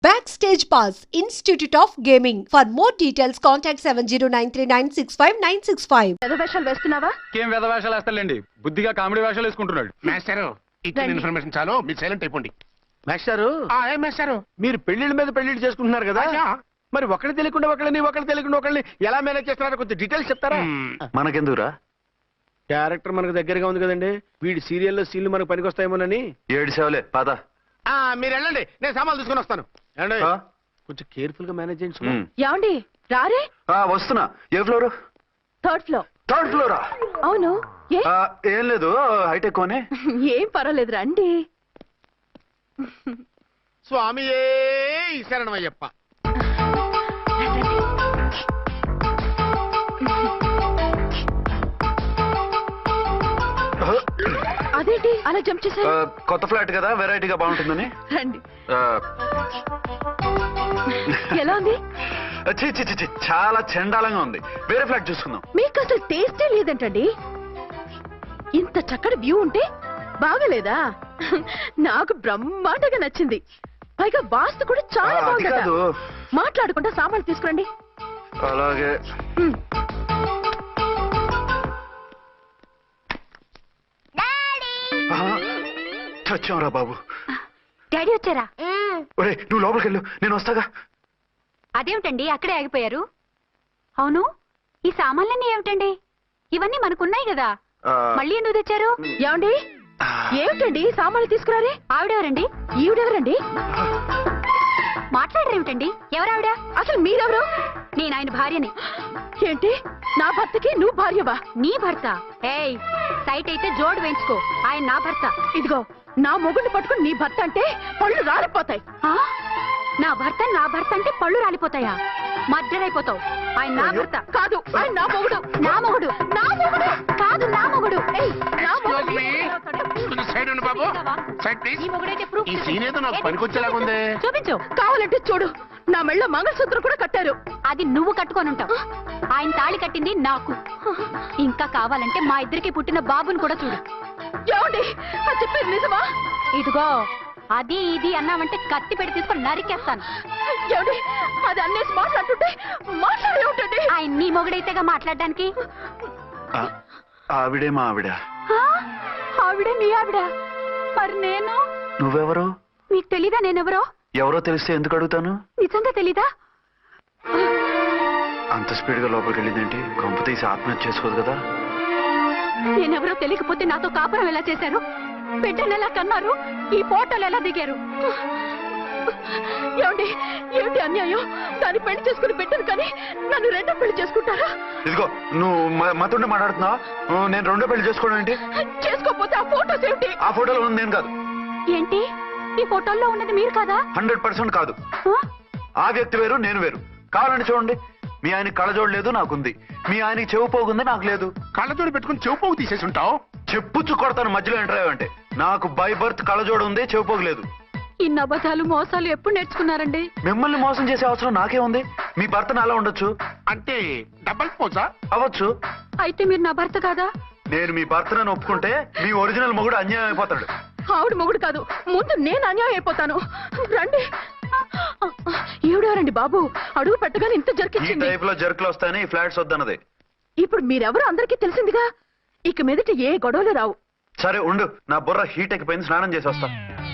Backstage Pass, Institute of Gaming. For more details, contact 7093965965. వేషాలు వేస్తున్నావా? ఏం వేద వేషాలు వేస్తాడండి, బుద్ధిగా కామెడీ వేషాలు వేసుకుంటున్నాడు. మాస్టారు ఇచ్చిన ఇన్ఫర్మేషన్ చాలు, మీరు సైలెంట్ అయిపోండి. మాస్టారు ఏం మాస్టారు? మీరు పెళ్లిళ్ళ మీద పెళ్లిళ్ళు చేసుకుంటున్నారు కదా, అయ్యా. మరి ఒకటి తెలియకుండా ఒకళ్ళని ఎలా మేనేజ్ చేస్తున్నారో కొంచెం డీటెయిల్స్ చెప్తారా? మనకెందుకురా? క్యారెక్టర్ మనకు దగ్గరగా ఉంది కదండి, వీడి సీరియల్లో సీన్లు మనకు పనికొస్తాయేమోనని. 7 సేవలే పద. మీరు వెళ్ళండి, నేను సామాన్లు తీసుకొని వస్తాను. ఏమండి? ఆ? కొంచెం కేర్ఫుల్ గా మేనేజ్ చేయండి సుమా. ఏమండి రారే? వస్తున్నా. ఏ ఫ్లోర్? 3rd floor. 3rd ఫ్లోరా? అవును. ఏ ఏం లేదు, హైటెక్ అని. ఏం పర్వాలేదు రండి. స్వామియే శరణమయ్యప్ప. అదేంటి అలా జంప్ చేశారు? కొత్త ఫ్లాట్ కదా, వెరైటీగా బాగుంటుందని. రండి. ఆ, ఎలా ఉంది? ఛీ, ఛీ, ఛీ, ఛీ, చాలా చండాలంగా ఉంది. వేరే ఫ్లాట్ చూసుకుందాం. మీకు అసలు టేస్టే లేదంటండి. ఇంత చక్కటి వ్యూ ఉంటే బాగలేదా? నాకు బ్రహ్మాండంగా నచ్చింది. పైగా వాస్తు కూడా చాలా అది బాగుంది. కాదు. మాట్లాడుకుంటా సామాన్లు తీసుకురండి. అలాగే. ఉమ్. చచ్చాంరా బాబు. డాడీ వచ్చారా? ఒరే నువ్వు లోపలికి వెళ్ళు, నేను వస్తాగా. అదేమిటండి అక్కడే ఆగిపోయారు? అవును, ఈ సామాన్లన్నీ ఏమిటండి? ఇవన్నీ మనకున్నాయి కదా, ఆ, మళ్ళీ ఎందుకు తెచ్చారు? ఏమండి ఏమిటండి సామాన్లు తీసుకురారే? ఆవిడెవరండి? ఈవిడెవరండి? మాట్లాడరేమిటండి? ఎవరావిడ? అసలు మీరెవరు? నేను ఆయన భార్యని. ఏంటి నా భర్తకి నువ్వు భార్యవా? నీ భర్త? ఏయ్, సైట్ అయితే జోడు వేయించుకో, ఆయన నా భర్త. ఇదిగో నా మొగుడిని పట్టుకుని నీ భర్త అంటే పళ్ళు రాలిపోతాయి. ఆ? నా భర్త అంటే పళ్ళు రాలిపోతాయా? మధ్యరైపోతావు. ఆయన నా భర్త కాదు, ఆయన నా మొగుడు. నా మొగుడు. నా మొగుడు కాదు, నా మొగుడు. ఏయ్, నా మొగుడు. కొంచెం సైడ్ ఉండు బాబు, సైడ్ ప్లీజ్. ఈ మొగుడైతే ప్రూఫ్ ఈ సీన్ ఏదో నాకు పనికొచ్చేలాగుంది. చూపించు. కావాలంటే చూడు, నా మెళ్ళ మంగళసూత్రం కూడా కట్టారు. అది నువ్వు కట్టుకొని ఉంటావు. ఆయన తాళి కట్టింది నాకు. ఇంకా కావాలంటే మా ఇద్దరికి పుట్టిన బాబుని కూడా చూడు. ఏమండి అది చెప్పేది నిజమా? ఇదిగో, అది ఇది అన్నామంటే కత్తి పెట్టి తీసుకొని నరికేస్తాను. ఏమండి అది అన్నేసి మాట్లాడుతుంటే మాట్లాడే ఉంటుంది. ఆయన నీ మొగుడైతేగా మాట్లాడడానికి. ఆ, ఆవిడే మా ఆవిడ. ఆ? ఆవిడే నీ ఆవిడ? మరి నేను? నువ్వెవరు? మీకు తెలీదా నేనెవరో? ఎవరో తెలిస్తే ఎందుకు అడుగుతాను? నిజంగా తెలీదా? అంత స్పీడ్ గా లోపలికి వెళ్ళిందేంటి? కొంప తీసి ఆత్మహత్య చేసుకోదు కదా. నేనెవరో తెలియకపోతే నాతో కాపురం ఎలా చేశారు? బిడ్డను ఎలా కన్నారు? ఈ ఫోటోలు ఎలా దిగారు? ఏమండి ఏమిటి అన్యాయం? దాన్ని పెళ్లి చేసుకుని పెట్టాను కానీ నన్ను రెండో పెళ్లి చేసుకుంటారా? ఇదిగో నువ్వు మతుండే మాట్లాడుతున్నావా? నేను రెండో పెళ్లి చేసుకోవడం ఏంటి? చేసుకోకపోతే ఆ ఫోటోస్ ఏమిటి? ఆ ఫోటోలో ఉంది నేను కాదు. ఏంటి, ఈ ఫోటోల్లో ఉన్నది మీరు కాదా? 100% కాదు. ఆ? ఆ వ్యక్తి వేరు, నేను వేరు. కావాలంటే చూడండి, మీ ఆయనకి కళ్ళజోడు లేదు, నాకుంది. మీ ఆయనకి చెవు పోగుంది, నాకు లేదు. కళ్ళజోడు పెట్టుకుని చెవుపోగు తీసేసి ఉంటావు. చెప్పుచ్చు కొడతాను మధ్యలో ఎంటర్ అంటే. నాకు బై బర్త్ కళ్ళజోడు ఉంది, చెవు పోగు లేదు. ఇన్ని అబద్ధాలు మోసాలు ఎప్పుడు నేర్చుకున్నారండి? మిమ్మల్ని మోసం చేసే అవసరం నాకే ఉంది. మీ భర్తను అలా ఉండొచ్చు, అంటే డబల్ పోజా? అవ్వచ్చు. అయితే మీరు నా భర్త కాదా? నేను మీ భర్తను ఒప్పుకుంటే మీ ఒరిజినల్ మొగుడు అన్యాయం అయిపోతాడు. ఆవిడ మొగుడు కాదు, ముందు నేను అన్యాయం అయిపోతాను. రండి. ఈవిడెవరండి బాబు? అడుగు పెట్టగానే ఇంత ఈ జరికిచ్చింది. టైప్ లో జర్కులు వస్తాయని ఈ ఫ్లాట్స్ వద్దన్నది. ఇప్పుడు మీరెవరో అందరికీ తెలిసిందిగా, ఇక మీదట ఏ గొడవలు రావు. సరే ఉండు, నా బుర్ర హీట్ ఎక్కిపోయింది, స్నానం చేసి వస్తా.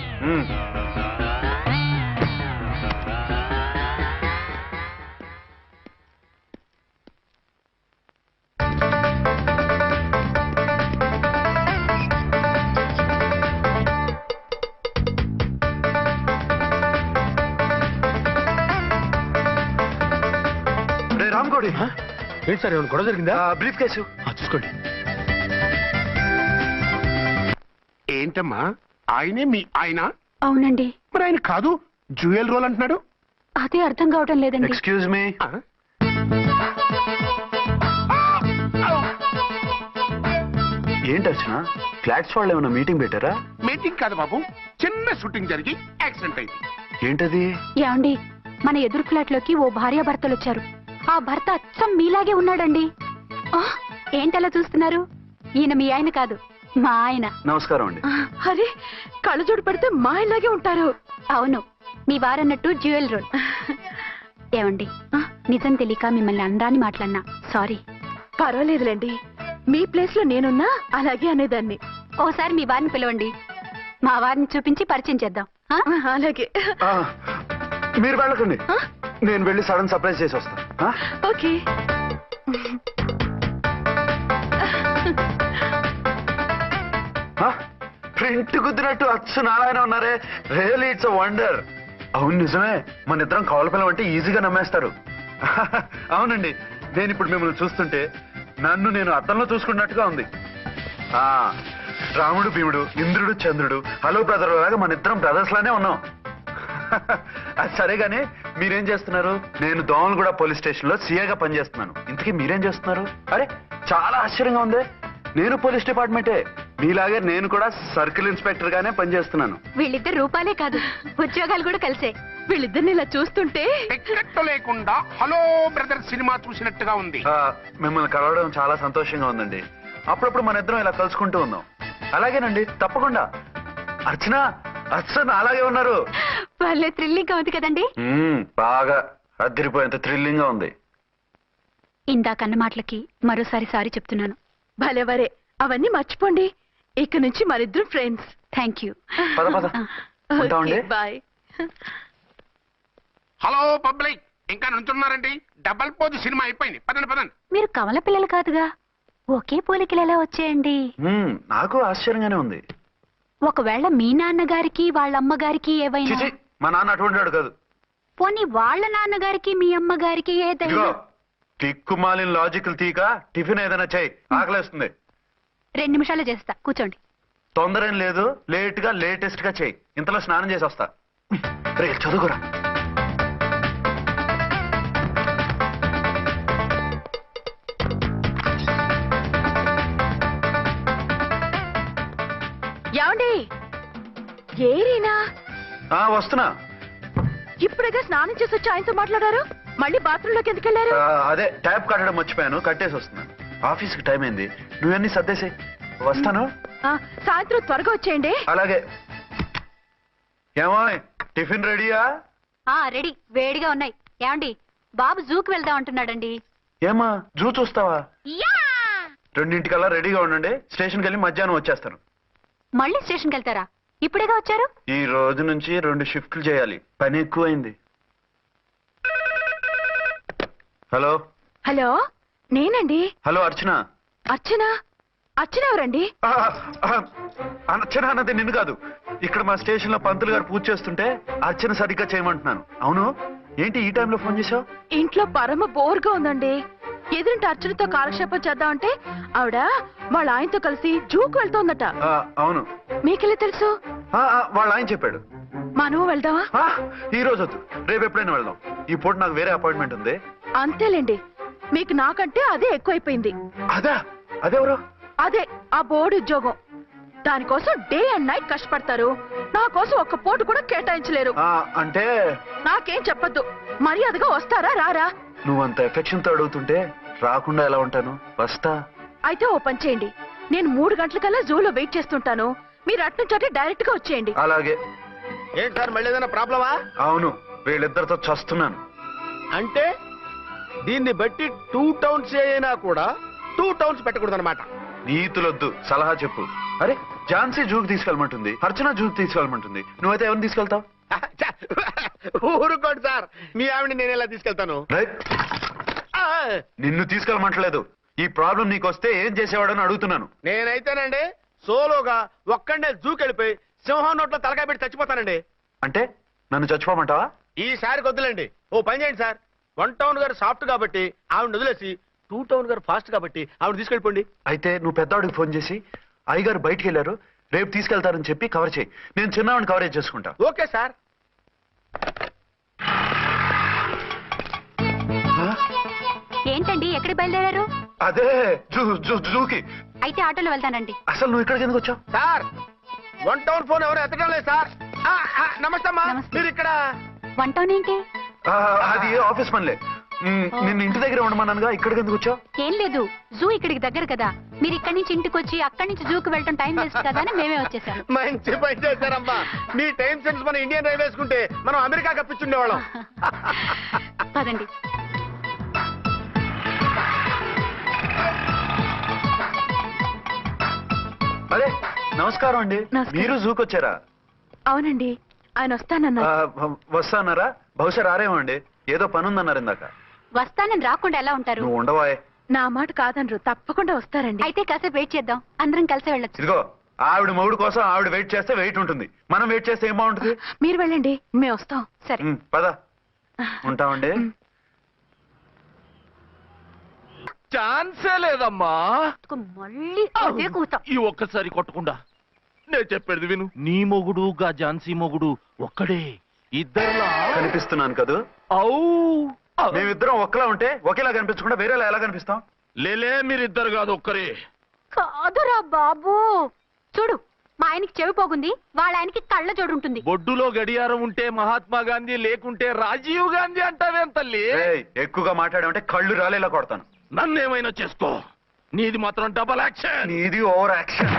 రే రామ్కోడి, ఏంటి సార్, ఏమైనా గొడవ జరిగిందా? బ్రీఫ్ కేసు చూసుకోండి. ఏంటమ్మా, ఆయనే మీ ఆయన? అవునండి. మరి ఆయన కాదు, జ్యూయల్ రోల్ అంటున్నాడు. అదే అర్థం కావటం లేదండి. Excuse me. ఆ? ఏంటి అర్చన, ఫ్లాట్స్ వాళ్ళు ఏమైనా మీటింగ్ పెట్టారా? మీటింగ్ కాదు బాబు, చిన్న షూటింగ్ జరిగి యాక్సిడెంట్ అయింది. ఏంటది? ఏమండి, మన ఎదురు ఫ్లాట్ లోకి ఓ భార్యాభర్తలు వచ్చారు. ఆ భర్త అచ్చం మీలాగే ఉన్నాడండి. ఏంటలా చూస్తున్నారు? ఈయన మీ ఆయన కాదు, మా ఆయన. నమస్కారం అండి. అరే కళ్ళజోడు పెడితే మా ఇలాగే ఉంటారు. అవును, మీ వారన్నట్టు జ్యువెల్ రోల్. ఏమండి, నిజం తెలియక మిమ్మల్ని అందాన్ని మాట్లాడినా సారీ. పర్వాలేదులేండి, మీ ప్లేస్ లో నేనున్నా అలాగే అనేదాన్ని. ఓసారి మీ వారిని పిలవండి, మా వారిని చూపించి పరిచయం చేద్దాం. ఆ? అలాగే. ఆ, మీరు వెళ్ళకండి, నేను వెళ్ళి సడన్ సర్ప్రైజ్ చేసి వస్తాను. ఆ? ఓకే. ఆ? ప్రింట్ కుదిరినట్టు అచ్చు నారాయణ ఉన్నారే, రియల్లీ ఇట్స్ అ వండర్. అవును నిజమే, మన ఇద్దరం కవల పిల్లం అంటే ఈజీగా నమ్మేస్తారు. అవునండి, నేను ఇప్పుడు మిమ్మల్ని చూస్తుంటే నన్ను నేను అద్దంలో చూసుకున్నట్టుగా ఉంది. ఆ రాముడు భీముడు, ఇంద్రుడు చంద్రుడు, హలో బ్రదర్ లాగా మన ఇద్దరం బ్రదర్స్ లానే ఉన్నాం. అది సరే గానీ మీరేం చేస్తున్నారు? నేను దోమలగూడ పోలీస్ స్టేషన్ లో సీఏగా పనిచేస్తున్నాను. ఇంతకీ మీరేం చేస్తున్నారు? అరే చాలా ఆశ్చర్యంగా ఉంది, నేను పోలీస్ డిపార్ట్మెంటే, మీలాగే నేను కూడా సర్కిల్ ఇన్స్పెక్టర్ గానే పనిచేస్తున్నాను. వీళ్ళిద్దరు రూపాలే కాదు, ఉద్యోగాలు కూడా కలిసే. వీళ్ళిద్దరిని ఇలా చూస్తుంటే టికెట్ లేకుండా హలో బ్రదర్ సినిమా చూసినట్టుగా ఉంది. మిమ్మల్ని కలవడం చాలా సంతోషంగా ఉందండి. అప్పుడప్పుడు మన ఇద్దరం ఇలా కలుసుకుంటూ ఉన్నాం. అలాగేనండి, తప్పకుండా. అర్చన, అర్చన అలాగే ఉన్నారు. వాళ్ళే థ్రిల్లింగ్ గా ఉంది కదండి. బాగా అదిరిపోయేంత థ్రిల్లింగ్ గా ఉంది. ఇందాకన్న మాటలకి మరోసారి సారీ చెప్తున్నాను. భలేవరే, అవన్నీ మర్చిపోండి. ఇక నుంచి మరిద్దరు ఫ్రెండ్స్. Thank you. పద పద ఉంటామండి. బాయ్. హలో పబ్లిక్, ఇంకా నుంచున్నారండి? డబల్ పోజ్ సినిమా అయిపోయింది, పదండి పదండి. మీరు కమల పిల్లలు కాదుగా, ఒకే పోలికలు ఎలా వచ్చేయండి? నాకు ఆశ్చర్యంగానే ఉంది. ఒకవేళ మీ నాన్నగారికి వాళ్ళ అమ్మగారికి ఏవైనా, చిచి, మా నాన్న అటువంటి వాడు కాదు. పోనీ వాళ్ళ నాన్నగారికి మీ అమ్మగారికి ఏదైనా. ఇదిగో టిక్కుమాలిన లాజికల్ తీక టిఫిన్ ఏదైనా చేయి, ఆకలేస్తుంది. 2 నిమిషాలు చేస్తా, కూర్చోండి. తొందర ఏం లేదు, లేట్ గా లేటెస్ట్ గా చేయి. ఇంతలో స్నానం చేసి వస్తా. రే చదువుకురా. ఏమండి, ఏరీనా? వస్తున్నా. ఇప్పుడుగా స్నానం చేసి వచ్చి ఆయనతో మాట్లాడారు, మళ్ళీ బాత్రూమ్ లోకి ఎందుకు వెళ్ళారు? అదే ట్యాప్ కట్టడం మర్చిపోయాను, కట్టేసి వస్తున్నాను. ఆఫీస్కి టైం అయింది, నువ్వన్నీ సర్దేసి వస్తాను. సాయంత్రం త్వరగా వచ్చేయండి. అలాగే. ఏమో టిఫిన్ రెడీయా? రెడీ, వేడిగా ఉన్నాయి. ఏమండి, బాబు జూకి వెళ్దాం అంటున్నాడండి. ఏమా జూ చూస్తావా? 2:00కల్లా రెడీగా ఉండండి, స్టేషన్కి వెళ్ళి మధ్యాహ్నం వచ్చేస్తాను. మళ్ళీ స్టేషన్కి వెళ్తారా? ఇప్పుడేగా వచ్చారు. ఈ రోజు నుంచి 2 షిఫ్ట్లు చేయాలి, పని ఎక్కువైంది. హలో. హలో, నేనండి. హలో అర్చన. అర్చన? అర్చన ఎవరండి? అర్చన అన్నది నిన్ను కాదు. ఇక్కడ మా స్టేషన్ లో పంతులు గారు పూజ చేస్తుంటే అర్చన సరిగ్గా చేయమంటున్నాను. అవును, ఏంటి ఈ టైంలో ఫోన్ చేశావు? ఇంట్లో పరమ బోర్గా ఉందండి. ఎదురింటి అర్చనతో కాలక్షేపం చేద్దామంటే ఆవిడ వాళ్ళ ఆయనతో కలిసి జూకు వెళ్తోందట. అవును. మీకెళ్ళి తెలుసు? వాళ్ళ ఆయన చెప్పాడు. మనం వెళ్దామా? ఈ రోజు వద్దు, రేపు ఎప్పుడైనా వెళ్దాం. ఈ పూట నాకు వేరే అపాయింట్మెంట్ ఉంది. అంతేలేండి, మీకు నాకంటే అదే ఎక్కువైపోయింది. అదెవరు? అదే ఆ బోర్డు ఉద్యోగం. దానికోసం డే అండ్ నైట్ కష్టపడతారు. నా కోసం ఒక్క పోటు కూడా కేటాయించలేరు. అంటే నాకేం చెప్పొద్దు, మర్యాదగా వస్తారా రారా? నువ్వంత ఎఫెక్షన్ తో అడుగుతుంటే రాకుండా ఎలా ఉంటాను, వస్తా. అయితే ఓ పని చేయండి, నేను 3 గంటలకల్లా జూలో వెయిట్ చేస్తుంటాను. మీరు అట్నుంచి డైరెక్ట్ గా వచ్చేయండి. అలాగే. ఏంటి సార్, మళ్ళీ ఏదైనా ప్రాబ్లమా? అవును, వీళ్ళిద్దరితో చస్తున్నాను. అంటే దీన్ని బట్టి 2 టౌన్స్ అయినా కూడా 2 టౌన్స్ పెట్టకూడదు అనమాట. నీతులొద్దు, సలహా చెప్పు. అరే ఝాన్సీ జూకి తీసుకెళ్ళమంటుంది, అర్చన జూకి తీసుకెళ్ళమంటుంది, నువ్వైతే ఎవరిని తీసుకెళ్తావు? ఊరుకోండి సార్, మీ ఆవిడ నేను ఎలా తీసుకెళ్తాను? నిన్ను తీసుకెళ్ళమంటలేదు. ఈ ప్రాబ్లం నీకొస్తే ఏం చేసేవాడని అడుగుతున్నాను. నేనైతేనండి సోలోగా ఒక్కడే జూకెళ్ళిపోయి సింహం నోట్లో తలకాయ పెట్టి చచ్చిపోతానండి. అంటే నన్ను చచ్చిపోమంటావా? ఈసారి వద్దులేండి, ఓ పని చేయండి సార్. 1 టౌన్ గారు సాఫ్ట్ కాబట్టి ఆవిడ వదిలేసి 2 టౌన్ గారు ఫాస్ట్ కాబట్టి ఆవిడ తీసుకెళ్ళిపోండి. అయితే నువ్వు పెద్దవాడికి ఫోన్ చేసి అయ్యగారు బయటికి వెళ్ళారు, రేపు తీసుకెళ్తారని చెప్పి కవర్ చేయి. నేను చిన్నవాడిని కవరేజ్ చేసుకుంటా. Okay sir. ఏంటండి, ఎక్కడికి బయలుదేరారు? అదే జూకి. అయితే ఆటోలో వెళ్తానండి. అసలు నువ్వు ఇక్కడికి ఎందుకు వచ్చావు? సార్ 1 టౌన్ ఫోన్ ఎవరు ఎత్తడం లేదు సార్. నమస్తే అమ్మా, నమస్తే. మీరు ఇక్కడ? 1 టౌన్ ఏంటి? అది ఆఫీస్ పనిలే. నిన్ను ఇంటి దగ్గర ఉండమన్నానుగా, ఇక్కడికి ఎందుకు వచ్చావు? ఏం లేదు, జూ ఇక్కడికి దగ్గర కదా, మీరు ఇక్కడి నుంచి ఇంటికి వచ్చి అక్కడి నుంచి జూకి వెళ్ళటం టైం వేస్ట్ కదా అని మేమే వచ్చేసాం. మంచి పని చేశారమ్మా. మీ టైం సెన్స్ మన ఇండియన్ రైల్వేస్ కుంటే మనం అమెరికా కప్పించుండేవాళ్ళం. పదండి. అదే నమస్కారం అండి. నమస్కారం. మీరు జూకి వచ్చారా? అవునండి, ఆయన వస్తానన్నారు. వస్తా అన్నారా? బహుశా రారేమో అండి, ఏదో పని ఉందన్నారు ఇందాక. వస్తానని రాకుండా ఎలా ఉంటారు? నువ్వు ఉండవాయ్. నా మాట కాదనరు, తప్పకుండా వస్తారండి. అయితే కాసేపు వెయిట్ చేద్దాం, అందరం కలిసి వెళ్ళొచ్చు. ఇదిగో ఆవిడ మొగుడు కోసం ఆవిడ వెయిట్ చేస్తే వెయిట్ ఉంటుంది, మనం వెయిట్ చేస్తే ఏం బాగుంటుంది? మీరు వెళ్ళండి, మేము వస్తాం. సరే. పద ఉంటామండి. ఛాన్సే లేదమ్మా. మళ్ళీ అదే కూతాం. ఈ ఒక్కసారి కొట్టకుండా నేను చెప్పేది విను. నీ మొగుడు గా ఝాన్సీ మొగుడు ఒక్కడే, ఇద్దరులా కనిపిస్తున్నాను కదూ? ఔ మేమిద్దరం ఒక్కలా ఉంటే ఒకేలా కనిపించకుండా వేరేలా ఎలా కనిపిస్తాం? లేలే, మీరిద్దరు కాదు ఒక్కరే. కాదురా బాబు, చూడు మా ఆయనకి చెవి పోగుంది, వాళ్ళ ఆయనకి కళ్ళ జోడు ఉంటుంది. బొడ్డులో గడియారం ఉంటే మహాత్మా గాంధీ, లేకుంటే రాజీవ్ గాంధీ అంటావేం తల్లి? ఏయ్, ఎక్కువగా మాట్లాడామంటే కళ్ళు రాలేలా కొడతాను. నన్నేమైనా చేసుకో, నీది మాత్రం డబల్ యాక్షన్. నీది ఓవర్ యాక్షన్.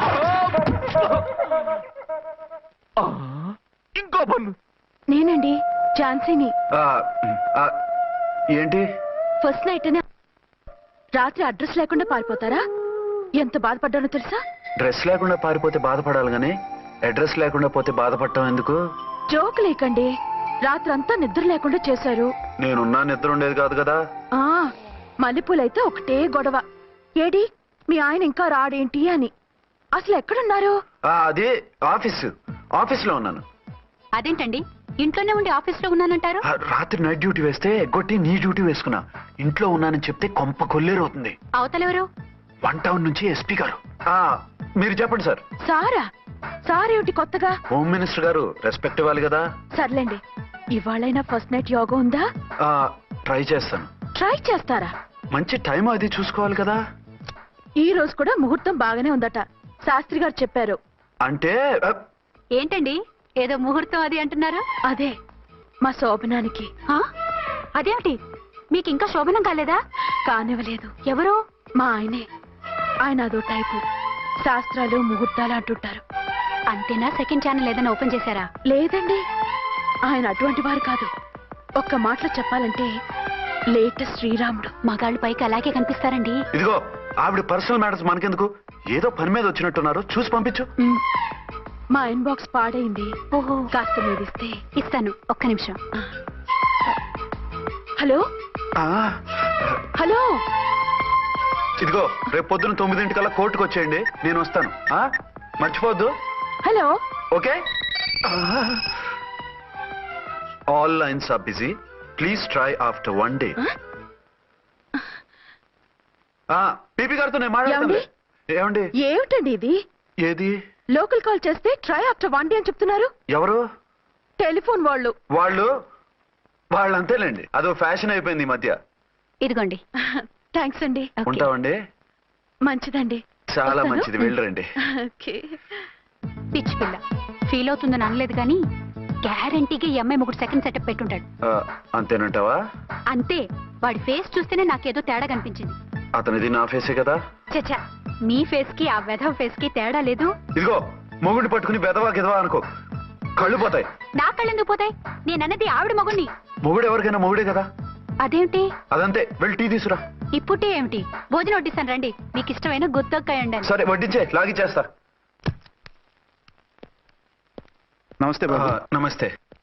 ఆ, ఇంకో పన్ను. నేనండి ఝాన్సీని. ఆ, ఆ, ఏంటి? ఫస్ట్ నైట్ అని రాత్రి అడ్రస్ లేకుండా పారిపోతారా? ఎంత బాధపడ్డానో తెలుసా? డ్రెస్ లేకుండా పారిపోతే బాధపడాలి గానీ అడ్రస్ లేకుండా పోతే బాధపడటం ఎందుకు? జోక్ లేకండి, రాత్రంతా నిద్ర లేకుండా చేశారు. నేనున్నా నిద్ర ఉండేది కాదు కదా. ఆ మల్లెపూలైతే ఒకటే గొడవ. ఏడి మీ ఆయన ఇంకా రాడేంటి అని. అసలు ఎక్కడున్నారు? అది ఆఫీస్లో ఉన్నాను. అదేంటండి, ఇంట్లోనే ఉండి ఆఫీస్ లో ఉన్నానంటారు? రాత్రి నైట్ డ్యూటీ వేస్తే ఎగ్గొట్టి నీ డ్యూటీ వేసుకున్నా. ఇంట్లో ఉన్నానని చెప్తే కొంప కొల్లేరవుతుంది. అవతలెవరు? 1 టౌన్ నుంచి ఎస్పీ గారు. మీరు చెప్పండి సార్. సారా? సారేమిటి కొత్తగా? హోమ్ మినిస్టర్ గారు, రెస్పెక్ట్ ఇవ్వాలి కదా. సర్లేండి, ఇవాళైనా ఫస్ట్ నైట్ యోగా ఉందా? ట్రై చేస్తాను. ట్రై చేస్తారా? మంచి టైం అది చూసుకోవాలి కదా. ఈ రోజు కూడా ముహూర్తం బాగానే ఉందట, శాస్త్రి గారు చెప్పారు. అంటే ఏంటండి ఏదో ముహూర్తం అది అంటున్నారు? అదే మా శోభనానికి. ఆ? అదేమిటి, మీకు ఇంకా శోభనం కాలేదా? కానివ్వలేదు. ఎవరు? మా ఆయనే. ఆయన అదో టైపు, శాస్త్రాలు ముహూర్తాలు అంటుంటారు. అంతేనా? సెకండ్ ఛానల్ ఏదైనా ఓపెన్ చేశారా? లేదండి, ఆయన అటువంటి వారు కాదు. ఒక్క మాటలో చెప్పాలంటే లేటెస్ట్ శ్రీరాముడు. మగాళ్ళు పైకి అలాగే కనిపిస్తారండి. ఇదిగో ఆవిడ పర్సనల్ మ్యాటర్స్ మనకెందుకు, ఏదో పని మీద వచ్చినట్టున్నారు, చూసి పంపించు. మా ఇన్బాక్స్ పాడైంది. ఓహో, కాస్త మీదిస్తే. ఇస్తాను, ఒక్క నిమిషం. హలో ఆ, హలో, ఇదిగో రేపు పొద్దున 9 కోర్టుకు వచ్చేయండి, నేను వస్తాను. మర్చిపోద్దు. Hello. Okay. All lines are busy, please try after 1 day. PP గారితో నేను మాట్లాడతాను. ఏమండి? ఏమిటండి ఇది? ఏది? లోకల్ కాల్ చేస్తే ట్రై ఆఫ్టర్ 1 day అని చెప్తున్నారు. ఎవరు? టెలిఫోన్ వాళ్ళు. వాళ్ళు అంతేలేండి, అదో ఫ్యాషన్ అయిపోయింది ఈ మధ్య. ఇదిగోండి. థ్యాంక్స్ అండి. ఓకే. ఉంటామండి. మంచిదండి. చాలా వస్తాను. మంచిది, వెళ్ళరండి. ఓకే. పిచ్చి పిల్ల ఫీల్ అవుతుందని అనలేదు కానీ గ్యారంటీగా ఈ అమ్మాయి ముగ్గురు సెకండ్ సెటప్ పెట్టుంటాడు. అంతేనంటావా? అంతే, వాడి ఫేస్ చూస్తేనే నాకేదో తేడా కనిపించింది. అతనిది నా ఫేసే కదా. చచ్చా, మీ ఫేస్ కి ఆ వెధవ ఫేస్ కి తేడా లేదు. ఇదిగో మొగుడిని పట్టుకుని బెదవా గిదవా అనుకో, కళ్ళు పోతాయి. నా కళ్ళెందుకు పోతాయి? నేనన్నది ఆవిడ మగుణ్ణి. మొగుడు ఎవరికైనా మొగుడే కదా. అదేమిటి? అదంతే, వెళ్ళి టీ తీసురా. ఇప్పుడే ఏమిటి, భోజనం వడ్డిస్తాను రండి. మీకు ఇష్టమైన గుత్తొక్కాయ ఉండాలి. సరే వడ్డించే, లాగిచ్చేస్తా. నమస్తే బాబు. నమస్తే.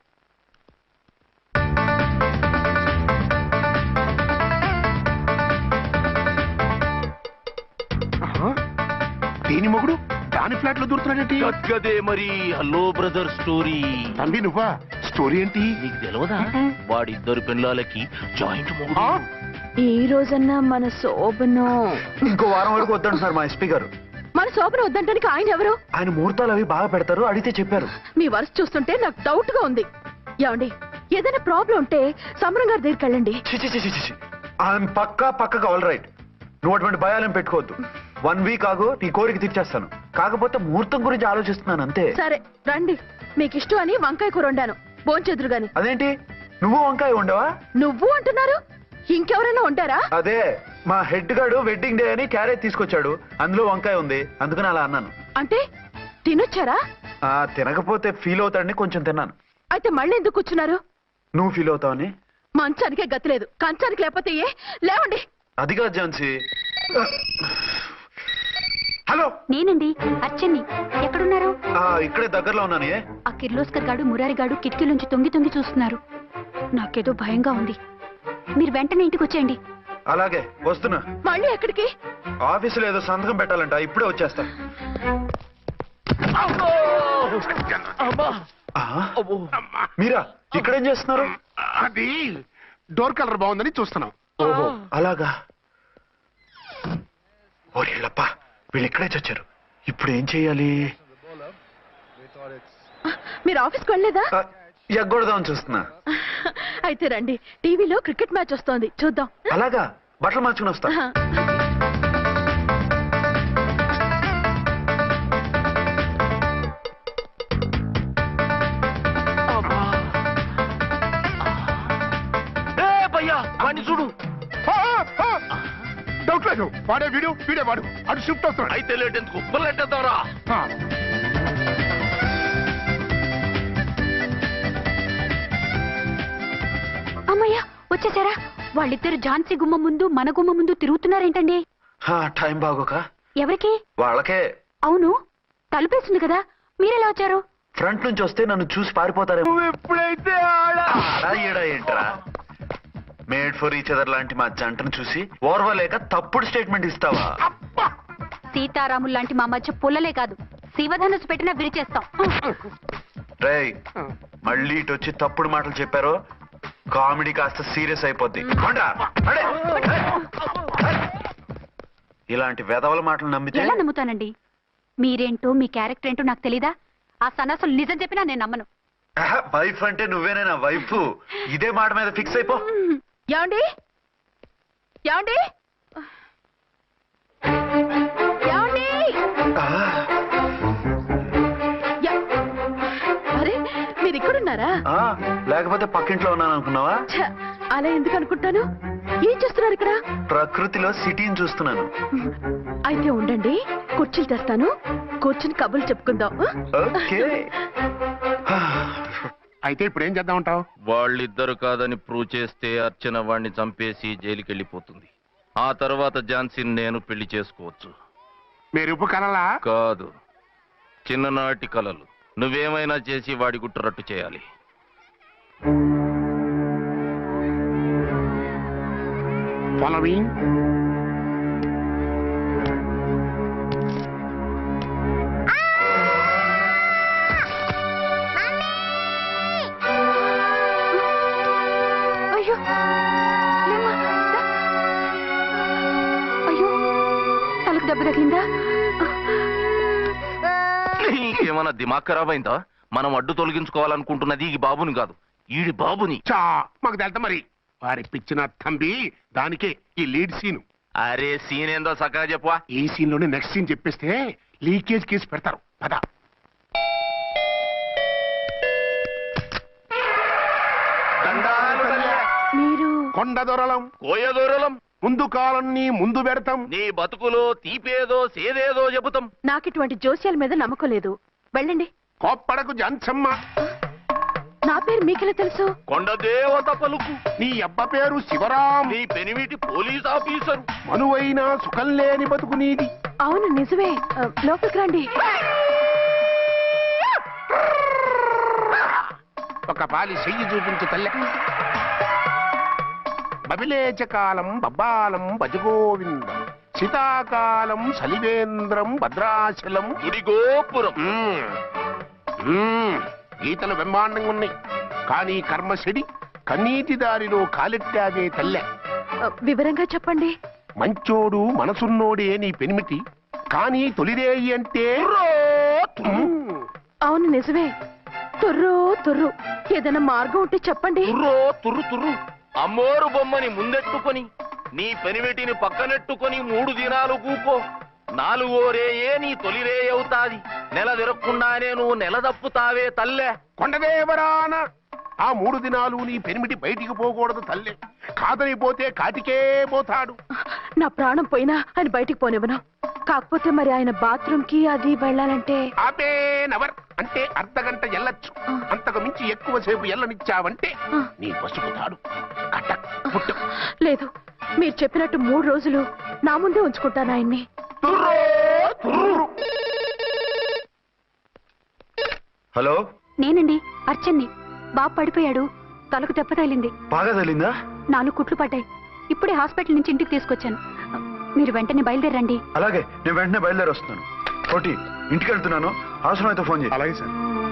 దీని మొగుడు దాని ఫ్లాట్ లో దూరుతున్నాడేంటి? గదే మరి. Hello brother story. తంబి నువ్వా? స్టోరీ ఏంటి? నీకు తెలియదా? వాడిద్దరు పిల్లలకి జాయింట్ మొగుడు. ఈ రోజన్నా మన శోభను. ఇంకో వారం వరకు వద్దంటున్నారు మా ఎస్పీ గారు. మన శోభను వద్దంటానికి ఆయన ఎవరు? ఆయన ముహూర్తాలు అవి బాగా పెడతారు, అడిగితే చెప్పారు. మీ వరుస చూస్తుంటే నాకు డౌట్ గా ఉంది. ఏమండి, ఏదైనా ప్రాబ్లం ఉంటే సమరం గారి దగ్గరికి వెళ్ళండి. ఆయన పక్కగా ఆల్ రైట్. నువ్వు అటువంటి భయాలను పెట్టుకోవద్దు. 1 week ఆగు, నీ కోరిక తీర్చేస్తాను. కాకపోతే ముహూర్తం గురించి ఆలోచిస్తున్నాను అంతే. సరే రండి, మీకు ఇష్టం అని వంకాయ కూర వండాను, భోంచెదురు గాని. అదేంటి, నువ్వు వంకాయ ఉండవా? నువ్వు అంటున్నారు? ఇంకెవరైనా ఉంటారా? అదే మా హెడ్ గాడు వెడ్డింగ్ డే అని క్యారేజ్ తీసుకొచ్చాడు, అందులో వంకాయ ఉంది, అందుకని అలా అన్నాను. అంటే తినొచ్చారా? తినకపోతే ఫీల్ అవుతాడని కొంచెం తిన్నాను. అయితే మళ్ళీ ఎందుకు కూర్చున్నారు? నువ్వు ఫీల్ అవుతావని. మంచానికే గతి లేదు, కంచానికి లేకపోతే ఏ? లేవండి. అదిగా ఝాన్సీ. హలో, నేనండి అర్చన్ని. ఎక్కడున్నారు? ఇక్కడే దగ్గరలో ఉన్నాను. ఆ కిర్లోస్కర్ గాడు మురారి గాడు కిటికీలోంచి తొంగి తొంగి చూస్తున్నారు. నాకేదో భయంగా ఉంది. మీరు వెంటనే ఇంటికి వచ్చేయండి. అలాగే వస్తున్నా. మళ్ళీ ఎక్కడికి? ఆఫీసులో ఏదో సంతకం పెట్టాలంట, ఇప్పుడే వచ్చేస్తా. మీరా ఇక్కడేం చేస్తున్నారు? అది డోర్ కలర్ బాగుందని చూస్తున్నాం. ఓహో అలాగా. ఓరేళ్ళప్ప, వీళ్ళు ఇక్కడే చచ్చారు. ఇప్పుడు ఏం చెయ్యాలి? మీరు ఆఫీస్కి వెళ్ళలేదా? ఎగ్గొడదామని చూస్తున్నా. అయితే రండి, టీవీలో క్రికెట్ మ్యాచ్ వస్తోంది, చూద్దాం. అలాగా, బట్టలు మార్చుకుని వస్తా. చూడు, డౌట్ లేదు, వాడే వీడే వాడు. అటు షిఫ్ట్ అవుతున్నాడు. అయితే లేట్ ఎందుకు, బుల్లెట్టేద్దాంరా. అమ్మయ్య వచ్చేసారా? వాళ్ళిద్దరు ఝాన్సీ గుమ్మ ముందు మన గుమ్మ ముందు తిరుగుతున్నారేంటండి? టైం బాగోక. ఎవరికి? వాళ్ళకే. అవును, తలుపేసింది కదా, మీరెలా వచ్చారు? ఫ్రంట్ నుంచి వస్తే నన్ను చూసి పారిపోతారేమో. ఎప్పుడైతే ఏంట్రా, మేడ్ ఫర్ ఈచ్ అదర్ లాంటి మా జంటను చూసి ఓర్వలేక తప్పుడు స్టేట్మెంట్ ఇస్తావా? సీతారాములు లాంటి మా మధ్య పుల్లలే కాదు, శివధనుసు పెట్టినా విరిచేస్తాం. రేయ్, మళ్ళీ ఇటు వచ్చి తప్పుడు మాటలు చెప్పారో కామెడీ కాస్త సీరియస్ అయిపోద్ది. ఇలాంటి వెధవల మాటలు నమ్మితే ఎలా నమ్ముతానండి? మీరేంటో మీ క్యారెక్టర్ ఏంటో నాకు తెలీదా? ఆ సన్నాసులు నిజం చెప్పినా నేను నమ్మను. వైఫ్ అంటే నువ్వేనా వైఫ్? ఇదే మాట మీద ఫిక్స్ అయిపో. ఏమండి ఏమండి ఏమండి? అరే, మీరు ఇక్కడున్నారా? లేకపోతే పక్కింట్లో ఉన్నాను అనుకున్నావా? అలా ఎందుకు అనుకుంటాను? ఏం చేస్తున్నారు ఇక్కడ? ప్రకృతిలో సిటీని చూస్తున్నాను. అయితే ఉండండి, కుర్చీలు తెస్తాను, కూర్చుని కబుర్లు చెప్పుకుందాం. ఓకే. అయితే ఇప్పుడు ఏం చేద్దాం అంటావు? వాళ్ళిద్దరు కాదని ప్రూవ్ చేస్తే అర్చన వాణ్ణి చంపేసి జైలుకి వెళ్ళిపోతుంది. ఆ తర్వాత ఝాన్సీని నేను పెళ్లి చేసుకోవచ్చు. మీరు ఉప్పు కలలా? కాదు, చిన్ననాటి కలలు. నువ్వేమైనా చేసి వాడి గుట్టరట్టు చేయాలి. ఫాలోయింగ్. అయ్యో లేమ్మా, దా. అయ్యో, తలకు దెబ్బ తగిలిందా? నీకేమన్నా దిమాగ్ ఖరాబ్ అయిందా? మనం అడ్డు తొలగించుకోవాలనుకుంటున్నది ఈ బాబుని కాదు, ఈడి బాబుని. మాకు తెలుతా మరి. వారి పిచ్చిన తంబి, దానికే ఈ లీడ్ సీను. అరే సీన్ ఏందో సక్కగా చెప్పవా? ఈ సీన్ లోనే నెక్స్ట్ సీన్ చెప్పేస్తే లీకేజ్ కేసు పెడతారు. పద. మీరు కొండ దొరలం, కోయ దూరలం, ముందు కాలన్నీ ముందు పెడతాం. నీ బతుకులో తీపేదో సేదేదో చెబుతాం. నాకు ఇటువంటి జోస్యాల మీద నమ్మకం లేదు, వెళ్ళండి. కోప్పడకు జంచమ్మ. నా పేరు మీకెలా తెలుసు? కొండ దేవత పలుకు. నీ అబ్బ పేరు శివరాం. నీ పెనిమిటి పోలీస్ ఆఫీసరు. మనువైన సుఖం లేని బతుకు నీది. అవును నిజమే, లోపలికి రండి. ఒక పాలి చెయ్యి చూపించు తల్లె. బబిలేచకాలం బబ్బాలం భజగోవిందం, శీతాకాలం సలివేంద్రం భద్రాచలం. గుడి గోపురం. గీతలు బ్రహ్మాండంగా ఉన్నాయి, కానీ కర్మశడి కన్నీటి దారిలో కాలెట్టాగే తల్లె. వివరంగా చెప్పండి. మంచోడు మనసున్నోడే నీ పెనిమిటి, కానీ తొలిరేయి అంటే అవును నిజమే, తుర్రు తుర్రు. ఏదైనా మార్గం ఉంటే చెప్పండి. తుర్రో తుర్రు తుర్రు. అమ్మోరు బొమ్మని ముందెట్టుకొని నీ పెనిమిటిని పక్కనెట్టుకొని 3 దినాలు కూకో. 4వ రేయే నీ తొలి రే అవుతాది. నెల తిరగకుండానే నువ్వు నెల తప్పుతావే తల్లే. కొండదేవరాన ఆ 3 దినాలు నీ పెనిమిటి బయటికి పోకూడదు తల్లి. కాదని పోతే కాటికే పోతాడు. నా ప్రాణం పోయినా ఆయన బయటికి పోనివ్వను. కాకపోతే మరి ఆయన బాత్రూమ్ కి అది వెళ్ళాలంటే ఆపేనవర్ అంటే అర్ధగంట ఎల్లొచ్చు. అంతకు మించి ఎక్కువసేపు ఎల్లనిచ్చావంటే నీ పసుపుతాడు కటక్ పుట్టు. లేదు, మీరు చెప్పినట్టు 3 రోజులు నా ముందే ఉంచుకుంటాను ఆయన్ని. హలో, నేనండి, అర్చన్ని. బాబు పడిపోయాడు, తలకు దెబ్బ తగిలింది. బాగా తగిలిందా? 4 కుట్లు పడ్డాయి. ఇప్పుడే హాస్పిటల్ నుంచి ఇంటికి తీసుకొచ్చాను. మీరు వెంటనే బయలుదేరండి. అలాగే, నేను వెంటనే బయలుదేరి వస్తున్నాను. కోటి, ఇంటికి వెళ్తున్నాను. అవసరం అయితే ఫోన్ చేయి. అలాగే సార్.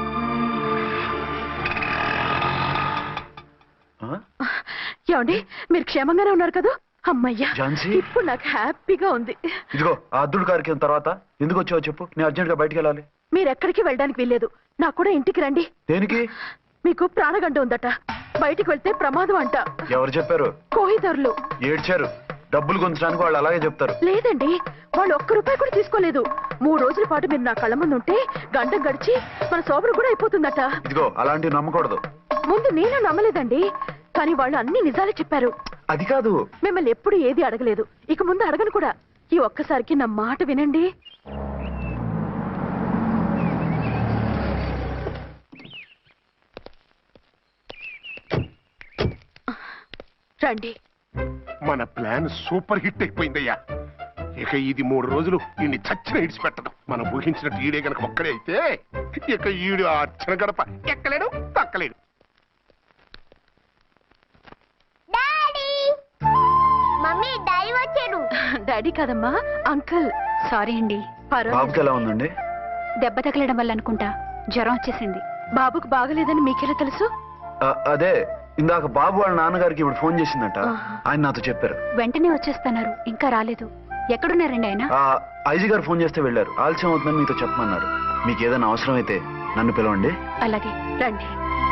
ఏమండి, మీరు క్షేమంగానే ఉన్నారు కదా? అమ్మయ్యా, ఝాన్సీ? ఇప్పుడు నాకు హ్యాపీగా ఉంది. ఇదిగో ఆ అద్దుడు కార్యక్రమం తర్వాత ఎందుకు వచ్చావో చెప్పు. నేను అర్జెంట్ గా బయటికి వెళ్ళాలి. మీరు ఎక్కడికి వెళ్ళడానికి వీల్లేదు. నాకు కూడా ఇంటికి రండి. దేనికి? మీకు ప్రాణగంట ఉందట. బయటికి వెళ్తే ప్రమాదం అంట. ఎవరు చెప్పారు? కోహిదరులు ఏడ్చారు. డబ్బులు గుంచడానికి వాళ్ళు అలాగే చెప్తారు. లేదండి, వాళ్ళు ₹1 కూడా తీసుకోలేదు. 3 రోజుల పాటు మీరు నా కళ్ళ ముందు ఉంటే గంట గడిచి మన శోభను కూడా అయిపోతుందట. ఇదిగో అలాంటివి నమ్మకూడదు. ముందు నేను నమ్మలేదండి, కానీ వాళ్ళు అన్ని నిజాలే చెప్పారు. అది కాదు. మిమ్మల్ని ఎప్పుడు ఏది అడగలేదు, ఇక ముందు అడగను కూడా. ఈ ఒక్కసారికి నా మాట వినండి. రండి. మన ప్లాన్ సూపర్ హిట్ అయిపోయిందయ్యా. ఇక ఇది 3 రోజులు ఈయన్ని చచ్చిన ఇడిచిపెట్టడం. మనం ఊహించినట్టు ఈడే గనక ఒక్కడే అయితే ఇక ఈడు ఆ అర్చన గడప ఎక్కలేడు, తక్కలేడు. డాడీ కాదమ్మా, అంకుల్. సారీ అండి. బాబుకి ఎలా ఉందండి? దెబ్బ తగలడం వల్ల అనుకుంటా జ్వరం వచ్చేసింది. బాబుకు బాగలేదని మీకెలా తెలుసు? అదే ఇందాక బాబు వాళ్ళ నాన్నగారికి ఇప్పుడు ఫోన్ చేసిందట. ఆయన నాతో చెప్పారు. వెంటనే వచ్చేస్తున్నారు, ఇంకా రాలేదు. ఎక్కడున్నారండి ఆయన? ఐజీ గారు ఫోన్ చేస్తే వెళ్ళారు. ఆలస్యం అవుతుందని మీతో చెప్పమన్నారు. మీకు ఏదైనా అవసరం అయితే నన్ను పిలవండి. అలాగే, రండి.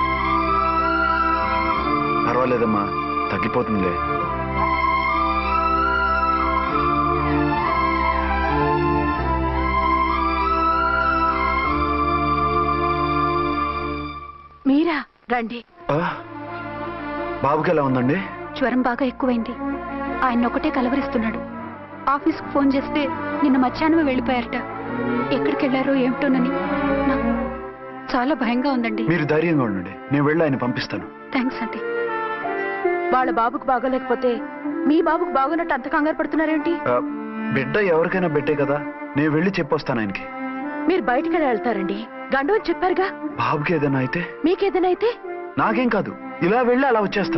పర్వాలేదమ్మా, తగ్గిపోతుందిలే. మీరా? రండి. బాబుకి ఎలా ఉందండి? జ్వరం బాగా ఎక్కువైంది. ఆయన ఒకటే కలవరిస్తున్నాడు. ఆఫీస్కు ఫోన్ చేస్తే నిన్న మధ్యాహ్నమే వెళ్ళిపోయారట. ఎక్కడికి వెళ్ళారో ఏమిటోనని నాకు చాలా భయంగా ఉందండి. మీరు ధైర్యంగా ఉండండి, నేను వెళ్ళి ఆయన పంపిస్తాను. థ్యాంక్స్ అండి. వాళ్ళ బాబుకు బాగోలేకపోతే మీ బాబుకు బాగున్నట్టు అంత కంగారు పడుతున్నారేంటి? బిడ్డ ఎవరికైనా బిడ్డే కదా, నేను వెళ్ళి చెప్పొస్తాను ఆయనకి. మీరు బయటికి వెళ్తారండి, గండు అని చెప్పారుగా. బాబుకి ఏదైనా అయితే? మీకేదైనా అయితే నాకేం కాదు, ఇలా వెళ్ళి అలా వచ్చేస్తాను.